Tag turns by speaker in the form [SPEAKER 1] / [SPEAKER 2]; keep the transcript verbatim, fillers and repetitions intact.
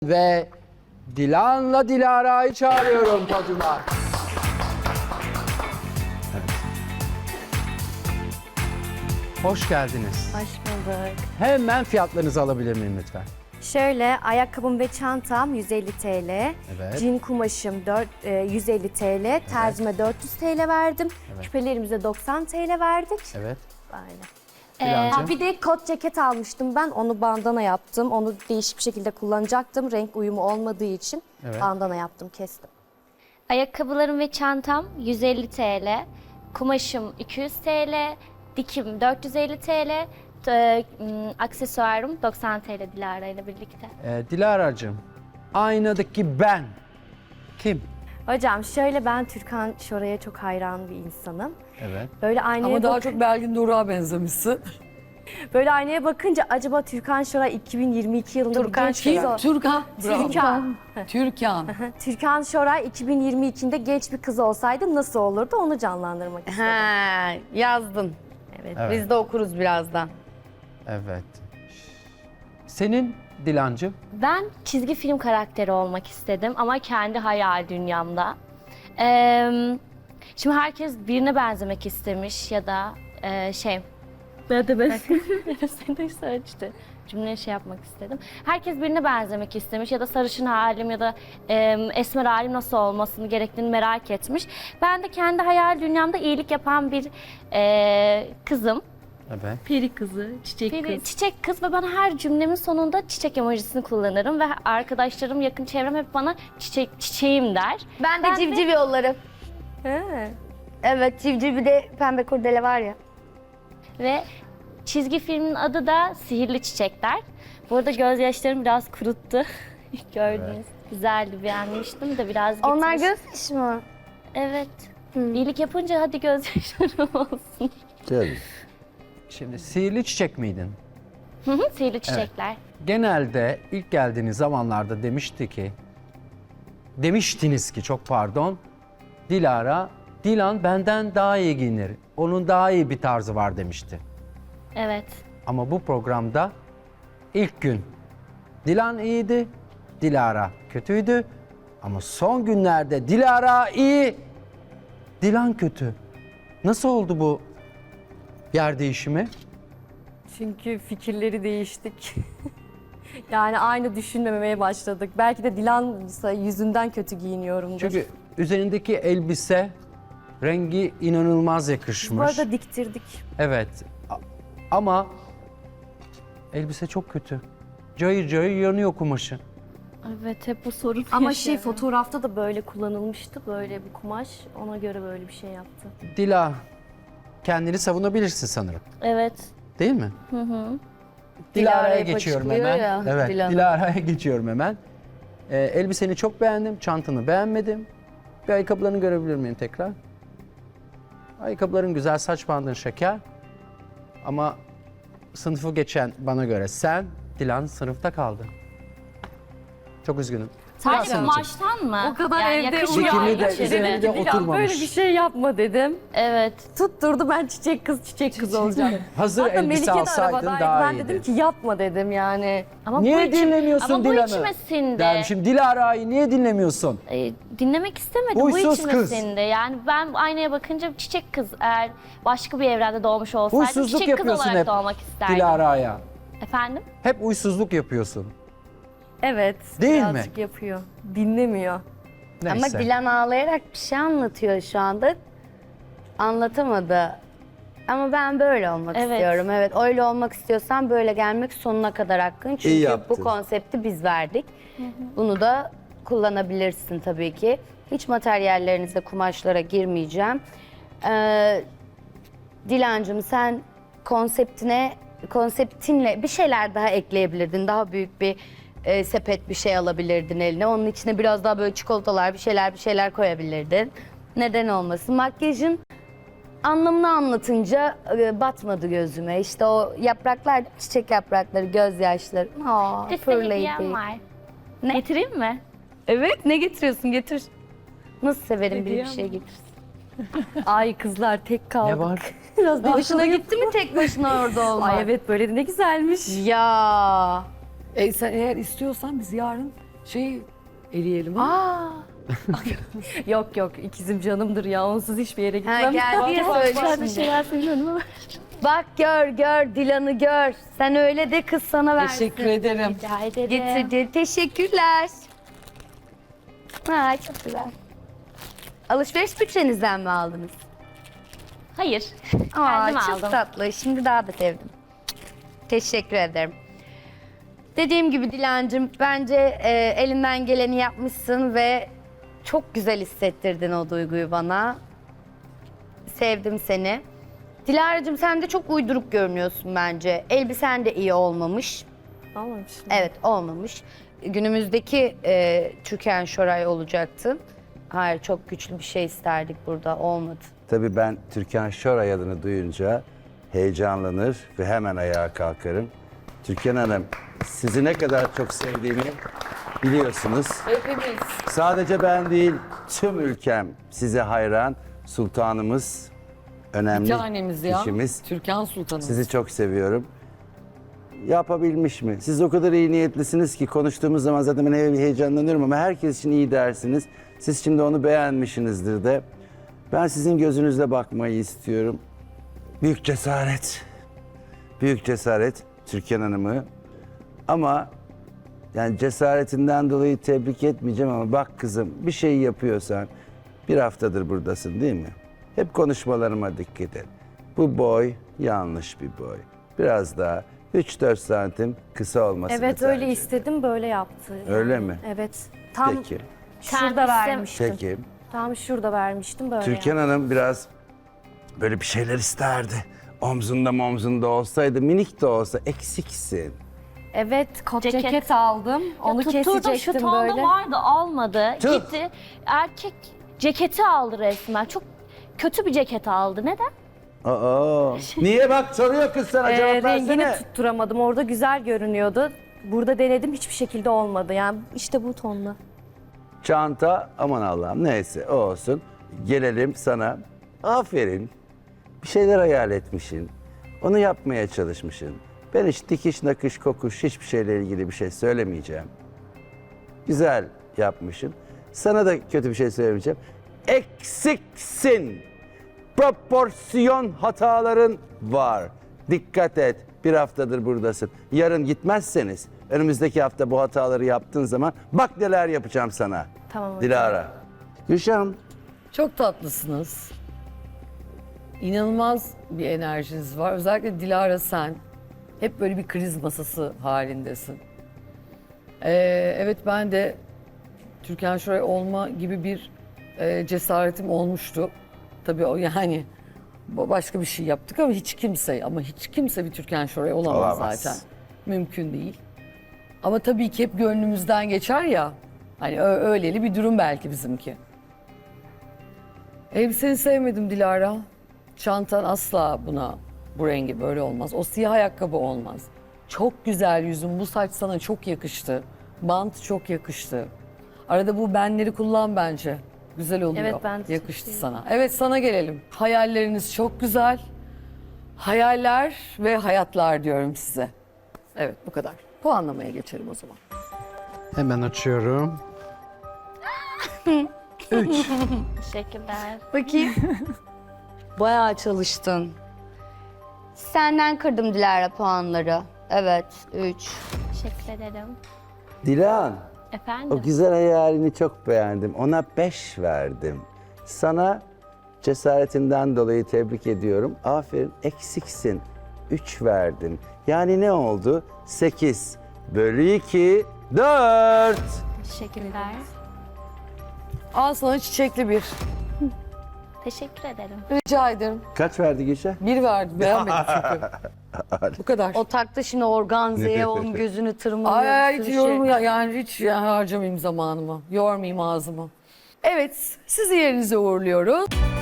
[SPEAKER 1] Ve Dilan'la Dilara'yı çağırıyorum podyuma. Evet. Hoş geldiniz.
[SPEAKER 2] Hoş bulduk.
[SPEAKER 1] Hemen fiyatlarınızı alabilir miyim lütfen?
[SPEAKER 2] Şöyle ayakkabım ve çantam yüz elli TL.
[SPEAKER 1] Evet.
[SPEAKER 2] Cin kumaşım dört, e, yüz elli TL. Terzime dört yüz TL verdim.
[SPEAKER 1] Evet.
[SPEAKER 2] Küpelerimize doksan TL verdik.
[SPEAKER 1] Evet.
[SPEAKER 2] Aynen.
[SPEAKER 1] Dilancığım?
[SPEAKER 2] Ee, bir de kot ceket almıştım ben. Onu bandana yaptım. Onu değişik bir şekilde kullanacaktım. Renk uyumu olmadığı için
[SPEAKER 1] Evet.
[SPEAKER 2] bandana yaptım, kestim.
[SPEAKER 3] Ayakkabılarım ve çantam yüz elli TL, kumaşım iki yüz TL, dikim dört yüz elli TL, t- m, aksesuarım doksan TL Dilara ile birlikte.
[SPEAKER 1] Ee, Dilara'cığım, aynadaki ben kim?
[SPEAKER 2] Hocam şöyle, ben Türkan Şoray'a çok hayran bir insanım.
[SPEAKER 1] Evet.
[SPEAKER 2] Böyle aynaya
[SPEAKER 4] Ama daha
[SPEAKER 2] bak-
[SPEAKER 4] çok Belgin Doruk'a benzemişsin.
[SPEAKER 2] Böyle aynaya bakınca acaba Türkan Şoray iki bin yirmi iki yılında bir genç kız o-
[SPEAKER 4] Türkan. Bravo.
[SPEAKER 2] Türkan.
[SPEAKER 4] Türkan.
[SPEAKER 2] Türkan Şoray iki bin yirmi ikide genç bir kız olsaydı nasıl olurdu, onu canlandırmak istedim.
[SPEAKER 5] Ha, yazdın.
[SPEAKER 2] Evet.
[SPEAKER 1] Evet.
[SPEAKER 5] Biz de okuruz birazdan.
[SPEAKER 1] Evet. Senin Dilancığım?
[SPEAKER 3] Ben çizgi film karakteri olmak istedim ama kendi hayal dünyamda. Ee, şimdi herkes birine benzemek istemiş ya da e, şey... Ben de ben seni de işte cümleyi şey yapmak istedim. Herkes birine benzemek istemiş ya da sarışın halim ya da e, esmer halim nasıl olmasını gerektiğini merak etmiş. Ben de kendi hayal dünyamda iyilik yapan bir e, kızım.
[SPEAKER 1] Evet.
[SPEAKER 6] Peri kızı, çiçek
[SPEAKER 3] Bir
[SPEAKER 6] kız.
[SPEAKER 3] çiçek kız ve ben her cümlemin sonunda çiçek emojisini kullanırım ve arkadaşlarım, yakın çevrem hep bana çiçek çiçeğim der.
[SPEAKER 5] Ben de
[SPEAKER 3] Ben de-
[SPEAKER 5] civciv yollarım.
[SPEAKER 2] He.
[SPEAKER 5] Evet, civciv bir de pembe kurdele var ya.
[SPEAKER 3] Ve çizgi filmin adı da Sihirli Çiçekler. Bu arada gözyaşlarım biraz kuruttu. Gördünüz. Güzeldi, beğenmiştim de biraz gitmiş.
[SPEAKER 5] Onlar gözyaşı mı?
[SPEAKER 3] Evet. İyilik yapınca hadi gözyaşlarım olsun.
[SPEAKER 1] Şimdi sihirli çiçek miydin?
[SPEAKER 3] Hı hı, Sihirli Çiçekler.
[SPEAKER 1] Genelde ilk geldiğiniz zamanlarda demişti ki, demiştiniz ki çok pardon, Dilara, Dilan benden daha iyi giyinir. Onun daha iyi bir tarzı var demişti.
[SPEAKER 3] Evet.
[SPEAKER 1] Ama bu programda ilk gün Dilan iyiydi, Dilara kötüydü. Ama son günlerde Dilara iyi, Dilan kötü. Nasıl oldu bu yer değişimi?
[SPEAKER 2] Çünkü fikirleri değiştik. Yani aynı düşünmemeye başladık. Belki de Dilan yüzünden kötü giyiniyorumdur.
[SPEAKER 1] Çünkü üzerindeki elbise rengi inanılmaz yakışmış.
[SPEAKER 2] bu arada diktirdik.
[SPEAKER 1] Evet. A- Ama elbise çok kötü. Cayır cayır yanıyor kumaşı.
[SPEAKER 3] Evet, hep bu sorun
[SPEAKER 2] Ama şey, fotoğrafta da böyle kullanılmıştı, böyle bir kumaş. Ona göre böyle bir şey yaptı.
[SPEAKER 1] Dila, kendini savunabilirsin sanırım.
[SPEAKER 3] Evet.
[SPEAKER 1] Değil mi? Hı hı. Dilara'ya
[SPEAKER 5] Dilara'yı
[SPEAKER 1] geçiyorum
[SPEAKER 5] paçıklıyor
[SPEAKER 1] hemen.
[SPEAKER 5] ya,
[SPEAKER 1] evet,
[SPEAKER 5] Dilan.
[SPEAKER 1] Dilara'ya geçiyorum hemen. Ee, elbiseni çok beğendim, çantanı beğenmedim. Bir ayakkabılarını görebilir miyim tekrar? Ayakkabıların güzel, saç bandın şeker. Ama sınıfı geçen bana göre sen, Dilan sınıfta kaldı. Çok üzgünüm.
[SPEAKER 3] Sadece
[SPEAKER 1] Dilan
[SPEAKER 3] kumaştan mı?
[SPEAKER 2] O kadar
[SPEAKER 3] yani
[SPEAKER 2] evde
[SPEAKER 3] yakışıyor
[SPEAKER 1] Zikirli de
[SPEAKER 3] içeri.
[SPEAKER 1] üzerine de
[SPEAKER 2] Dilan,
[SPEAKER 1] oturmamış.
[SPEAKER 2] böyle bir şey yapma dedim.
[SPEAKER 3] Evet.
[SPEAKER 2] Tutturdu, ben çiçek kız çiçek kız olacağım.
[SPEAKER 1] Hazır
[SPEAKER 2] Hatta
[SPEAKER 1] elbise
[SPEAKER 2] Melike de
[SPEAKER 1] alsaydın
[SPEAKER 2] arabadaydı.
[SPEAKER 1] daha
[SPEAKER 2] Ben
[SPEAKER 1] iyiydi.
[SPEAKER 2] dedim ki yapma dedim yani.
[SPEAKER 3] Ama bu
[SPEAKER 1] Niye
[SPEAKER 3] içim-
[SPEAKER 1] dinlemiyorsun
[SPEAKER 3] ama bu
[SPEAKER 1] Dilan'ı?
[SPEAKER 3] içime sindi.
[SPEAKER 1] Dermişim, Dilara'yı niye dinlemiyorsun?
[SPEAKER 3] Ee, dinlemek istemedim.
[SPEAKER 1] Huysuz
[SPEAKER 3] bu içime
[SPEAKER 1] kız.
[SPEAKER 3] sindi. Yani ben aynaya bakınca çiçek kız, eğer başka bir evrende doğmuş olsaydım
[SPEAKER 1] Huysuzluk
[SPEAKER 3] çiçek kız
[SPEAKER 1] yapıyorsun
[SPEAKER 3] olarak
[SPEAKER 1] hep
[SPEAKER 3] doğmak isterdim.
[SPEAKER 1] Dilara'ya.
[SPEAKER 3] Efendim?
[SPEAKER 1] Hep uysuzluk yapıyorsun.
[SPEAKER 2] Evet.
[SPEAKER 1] Değil mi?
[SPEAKER 2] birazcık yapıyor. Dinlemiyor.
[SPEAKER 1] Neyse.
[SPEAKER 5] Ama Dilan ağlayarak bir şey anlatıyor şu anda. Anlatamadı. Ama ben böyle olmak
[SPEAKER 3] Evet.
[SPEAKER 5] istiyorum. Evet, öyle olmak istiyorsan böyle gelmek sonuna kadar hakkın. Çünkü
[SPEAKER 1] yaptın.
[SPEAKER 5] bu konsepti biz verdik. Bunu da kullanabilirsin tabii ki. Hiç materyallerinize, kumaşlara girmeyeceğim. Ee, Dilancığım, sen konseptine, konseptinle bir şeyler daha ekleyebilirdin. Daha büyük bir e, sepet bir şey alabilirdin eline. Onun içine biraz daha böyle çikolatalar, bir şeyler bir şeyler koyabilirdin. Neden olmasın? Makyajın anlamını anlatınca e, batmadı gözüme. İşte o yapraklar, çiçek yaprakları, gözyaşları. Aa,
[SPEAKER 3] Bir de size
[SPEAKER 5] fırlayıp.
[SPEAKER 3] hediyem var.
[SPEAKER 5] Ne?
[SPEAKER 3] Getireyim mi?
[SPEAKER 5] Evet, ne getiriyorsun? Getir. Nasıl severim biri bir şey getirsin.
[SPEAKER 2] Ay kızlar, tek kaldık.
[SPEAKER 1] Ne var?
[SPEAKER 2] Biraz da
[SPEAKER 5] Hoşuna gitti mi tek başına orada olmak?
[SPEAKER 2] Ay evet, böyle de ne güzelmiş.
[SPEAKER 5] Ya.
[SPEAKER 4] E sen eğer istiyorsan biz yarın Şey eleyelim.
[SPEAKER 5] Aa,
[SPEAKER 2] Yok yok ikizim canımdır ya onsuz hiçbir yere
[SPEAKER 5] ha,
[SPEAKER 2] gitmem.
[SPEAKER 5] gel diye söyle
[SPEAKER 3] Ben bir
[SPEAKER 5] şimdi.
[SPEAKER 3] şeyler söylüyorum ama.
[SPEAKER 5] Bak gör gör Dilan'ı gör. Sen öyle de kız sana versin.
[SPEAKER 4] Teşekkür ederim.
[SPEAKER 3] Rica ederim.
[SPEAKER 5] Getirdi. Teşekkürler. Ha, çok güzel. Alışveriş bütçenizden mi aldınız?
[SPEAKER 3] Hayır.
[SPEAKER 5] Aa,
[SPEAKER 3] Kendim
[SPEAKER 5] çok
[SPEAKER 3] aldım.
[SPEAKER 5] tatlı. Şimdi daha da sevdim. Teşekkür ederim. Dediğim gibi Dilancığım bence e, elinden geleni yapmışsın ve çok güzel hissettirdin o duyguyu bana. Sevdim seni. Dilara'cığım sen de çok uyduruk görünüyorsun bence. Elbisen de iyi olmamış.
[SPEAKER 2] Olmamış.
[SPEAKER 5] Evet olmamış. Günümüzdeki e, Türkan Şoray olacaktın. Hayır çok güçlü bir şey isterdik burada olmadı.
[SPEAKER 6] Tabii ben Türkan Şoray adını duyunca heyecanlanır ve hemen ayağa kalkarım. Türkan Hanım, sizi ne kadar çok sevdiğimi biliyorsunuz.
[SPEAKER 4] Hepimiz.
[SPEAKER 6] Sadece ben değil, tüm ülkem size hayran. Sultanımız, önemli
[SPEAKER 4] Bir tanemiz ya.
[SPEAKER 6] kişimiz.
[SPEAKER 4] Türkan Sultanımız.
[SPEAKER 6] Sizi çok seviyorum. Yapabilmiş mi? Siz o kadar iyi niyetlisiniz ki konuştuğumuz zaman zaten ben he- heyecanlanıyorum ama herkes için iyi dersiniz. Siz şimdi onu beğenmişsinizdir de. Ben sizin gözünüzle bakmayı istiyorum. Büyük cesaret. Büyük cesaret Türkan Hanım'ı. Ama yani cesaretinden dolayı tebrik etmeyeceğim ama bak kızım bir şey yapıyorsan bir haftadır buradasın değil mi? Hep konuşmalarıma dikkat et. Bu boy yanlış bir boy. Biraz daha üç dört santim kısa olması.
[SPEAKER 2] Evet öyle istedim böyle yaptı.
[SPEAKER 6] Öyle mi?
[SPEAKER 2] Evet. Tam
[SPEAKER 6] Peki.
[SPEAKER 2] şurada
[SPEAKER 3] Kendisi-
[SPEAKER 2] vermiştim.
[SPEAKER 6] Peki.
[SPEAKER 2] Tam şurada vermiştim böyle.
[SPEAKER 6] Türkan Hanım biraz böyle bir şeyler isterdi. Omzunda omzunda olsaydı, minik de olsa eksiksin.
[SPEAKER 2] Evet kot
[SPEAKER 3] Ceket.
[SPEAKER 2] ceket, aldım. Onu
[SPEAKER 3] Tutturdum şu
[SPEAKER 2] kesecektim
[SPEAKER 3] tonda
[SPEAKER 2] böyle.
[SPEAKER 3] vardı almadı.
[SPEAKER 6] Tüh.
[SPEAKER 3] Gitti erkek ceketi aldı resmen. Çok kötü bir ceket aldı. Neden?
[SPEAKER 6] Aa, niye bak soruyor kız sana
[SPEAKER 2] Ee,
[SPEAKER 6] cevap
[SPEAKER 2] rengini
[SPEAKER 6] versene.
[SPEAKER 2] tutturamadım. Orada güzel görünüyordu. Burada denedim hiçbir şekilde olmadı. Yani işte bu tonla.
[SPEAKER 6] Çanta aman Allah'ım neyse o olsun. Gelelim sana. Aferin. Bir şeyler hayal etmişsin. Onu yapmaya çalışmışsın. Ben hiç dikiş, nakış, kokuş hiçbir şeyle ilgili bir şey söylemeyeceğim. Güzel yapmışsın. Sana da kötü bir şey söylemeyeceğim. Eksiksin. Proporsiyon hataların var. Dikkat et. Bir haftadır buradasın. Yarın gitmezseniz önümüzdeki hafta bu hataları yaptığın zaman bak neler yapacağım sana.
[SPEAKER 2] Tamam hocam.
[SPEAKER 6] Dilara. Gülşah'ım.
[SPEAKER 4] Çok tatlısınız. İnanılmaz bir enerjiniz var. Özellikle Dilara sen. Hep böyle bir kriz masası halindesin. Ee, evet ben de Türkan Şoray olma gibi bir e, cesaretim olmuştu. Tabii o yani başka bir şey yaptık ama hiç kimse ama hiç kimse bir Türkan Şoray olamaz,
[SPEAKER 6] Olamaz.
[SPEAKER 4] zaten. Mümkün değil. Ama tabii ki hep gönlümüzden geçer ya. Hani ö- öyleli bir durum belki bizimki. Elbiseni sevmedim Dilara. Çantan asla buna, bu rengi böyle olmaz. O siyah ayakkabı olmaz. Çok güzel yüzün, bu saç sana çok yakıştı. Bant çok yakıştı. Arada bu benleri kullan bence. Güzel oluyor.
[SPEAKER 2] Evet, ben de
[SPEAKER 4] yakıştı
[SPEAKER 2] çok
[SPEAKER 4] sana. Evet sana gelelim. Hayalleriniz çok güzel. Hayaller ve hayatlar diyorum size. Evet bu kadar. Puanlamaya geçelim o zaman.
[SPEAKER 1] Hemen açıyorum.
[SPEAKER 3] Teşekkürler.
[SPEAKER 5] Bakayım. Bayağı çalıştın. Senden kırdım Dilara puanları. Evet, üç.
[SPEAKER 3] Teşekkür ederim.
[SPEAKER 6] Dilan.
[SPEAKER 3] Efendim?
[SPEAKER 6] O güzel hayalini çok beğendim. Ona beş verdim. Sana cesaretinden dolayı tebrik ediyorum. Aferin eksiksin. Üç verdim. Yani ne oldu? Sekiz bölü iki, dört.
[SPEAKER 3] Teşekkürler.
[SPEAKER 4] Al sana çiçekli bir.
[SPEAKER 3] Teşekkür ederim.
[SPEAKER 4] Rica ederim.
[SPEAKER 6] Kaç verdi Gülşah?
[SPEAKER 4] Bir verdi. Beğenmedim çünkü. Bu kadar.
[SPEAKER 5] O taktı şimdi organzeye onun gözünü tırmalıyor.
[SPEAKER 4] Ay, ay
[SPEAKER 5] bir
[SPEAKER 4] hiç
[SPEAKER 5] sürü
[SPEAKER 4] yorum
[SPEAKER 5] şey.
[SPEAKER 4] ya, yani hiç yani harcamayayım zamanımı. Yormayayım ağzımı. Evet, sizi yerinize uğurluyoruz.